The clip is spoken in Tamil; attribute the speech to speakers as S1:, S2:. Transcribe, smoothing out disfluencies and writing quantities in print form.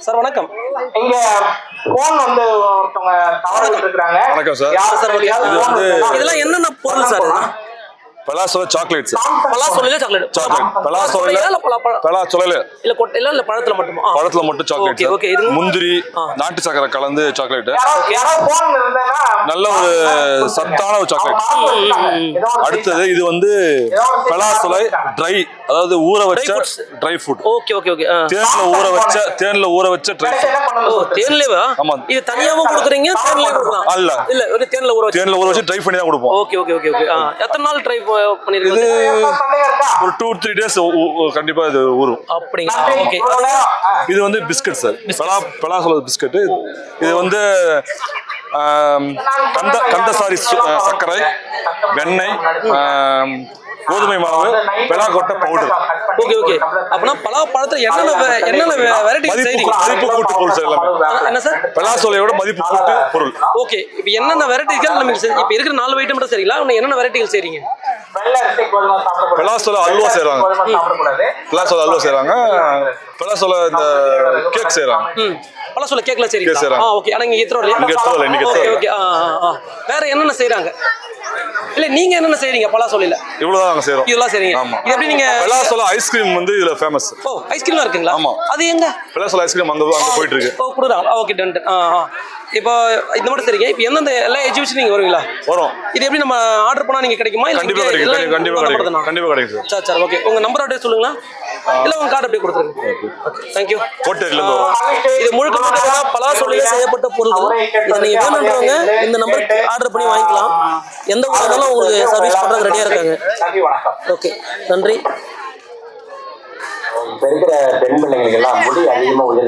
S1: சார் வணக்கம்.
S2: இங்க போன் வந்து ஒருத்தவங்க தவறு இருக்காங்க.
S3: வணக்கம் சார்.
S1: சார் இது வந்து இதெல்லாம் என்னென்ன பொருள் சார்?
S3: பலாசோலை சாக்லேட் சார்.
S1: பலாசோலையில சாக்லேட்.
S3: பலாசோலையில பலாசோலையில
S1: இல்ல கொட்டையில இல்ல பழத்துல மட்டுமா?
S3: பழத்துல மட்டும் சாக்லேட்.
S1: ஓகே இது
S3: முந்திரி நாட்டு சக்கரை கலந்து சாக்லேட். நல்ல ஒரு சத்தான ஒரு சாக்லேட். அடுத்தது இது வந்து பலாசோலை ட்ரை, அதாவது ஊற வச்ச dry fruit.
S1: Okay okay okay.
S3: தேன்ல ஊற வச்ச ட்ரை ஃப்ரூட்.
S1: ஓ தேன்லவா?
S3: ஆமா.
S1: இது தனியாவும் கொடுக்குறீங்க தேன்லயே கொடுக்கலாம்?
S3: இல்ல
S1: இல்ல ஒரு தேன்ல ஊற வச்சு
S3: ட்ரை பண்ணி தான் கொடுப்போம்.
S1: Okay okay okay okay. எத்தனை நாள் ட்ரை பண்ணிருக்கீங்க?
S3: இது ஒரு 2-3 டேஸ் கண்டிப்பா இது ஊறும்.
S1: அப்படிங்களா? ஓகே.
S3: இது வந்து பிஸ்கட் சார். பலாசோலை பிஸ்கட். இது வந்து கந்தசாரி சர்க்கரை, வெண்ணெய், கோதுமை மாவு, பெலாக்கொட்டை பவுடர்.
S1: Okay okay. அப்பனா பலாப்பழத்துல என்னென்ன வெரைட்டி செய்றீங்க?
S3: மதிப்பு கூட்டு பொருள் சார் எல்லாமே.
S1: என்ன சார்?
S3: பலாசோலையோட மதிப்பு கூட்டு பொருள்.
S1: ஓகே. இப்போ என்னென்ன வெரைட்டிகள் நமக்கு இப்போ இருக்கிற 4 ஐட்டம் மட்டும் சரிங்களா? இன்னும் என்னென்ன வெரைட்டிகள் செய்றீங்க?
S3: பலாசோலை அல்வா செய்றாங்க. பலாசோலை அல்வா செய்றாங்க. பலாசோலை இந்த கேக் செய்றாங்க.
S1: பலாசோலை கேக்ல செய்றீங்க? ஓகே. ஆனா இங்க எத்தறோம்
S3: இங்க
S1: ஓகே ஓகே. வேற என்னென்ன செய்றாங்க? இல்ல நீங்க என்னென்ன செய்றீங்க பலாசோலையில?
S3: இவ்வளவுதான் நாங்க செய்றோம்.
S1: இதெல்லாம் செய்றீங்க. இது எப்படி நீங்க
S3: பலாசோலை ஐஸ்கிரீம் வந்து இதுல ஃபேமஸ்.
S1: ஓ ஐஸ்கிரீம்லாம் இருக்குங்களா?
S3: ஆமா.
S1: அது எங்க?
S3: பலாசோலை ஐஸ்கிரீம் அங்க போயிட்டு இருக்கு.
S1: ஓ குடுறாங்க. Okay done. இப்போ இந்த மட்டும் சரிங்க. இப்போ எந்தெந்த எல்லா எக்ஸிபிஷன் நீங்க வருவீங்களா?
S3: வரோம்.
S1: இது எப்படி நம்ம ஆர்டர் பண்ணா நீங்க கிடைக்குமா? இல்ல
S3: கண்டிப்பா கிடைக்கும். கண்டிப்பா கிடைக்கும் சார்.
S1: சரி ஓகே. உங்க நம்பர் அப்படியே சொல்லுங்களா? இல்ல உங்க கார்டு அப்படியே கொடுத்துருங்க. Okay thank you.
S3: கோட்டையில இருந்து வரோம்.
S1: இது முழுக்க பலாசோலையில செய்யப்பட்ட பொருட்கள். இத நீங்க வேணும்ன்றவங்க இந்த நம்பருக்கு ஆர்டர் பண்ணி வாங்கிக்கலாம். எந்த ஊர்லனாலும் உங்களுக்கு சர்வீஸ் பண்றதுக்கு ரெடியா இருக்காங்க. ஓகே நன்றி.
S2: பெண் பிள்ளைங்களுக்கு எல்லாம் முடி அதிகமா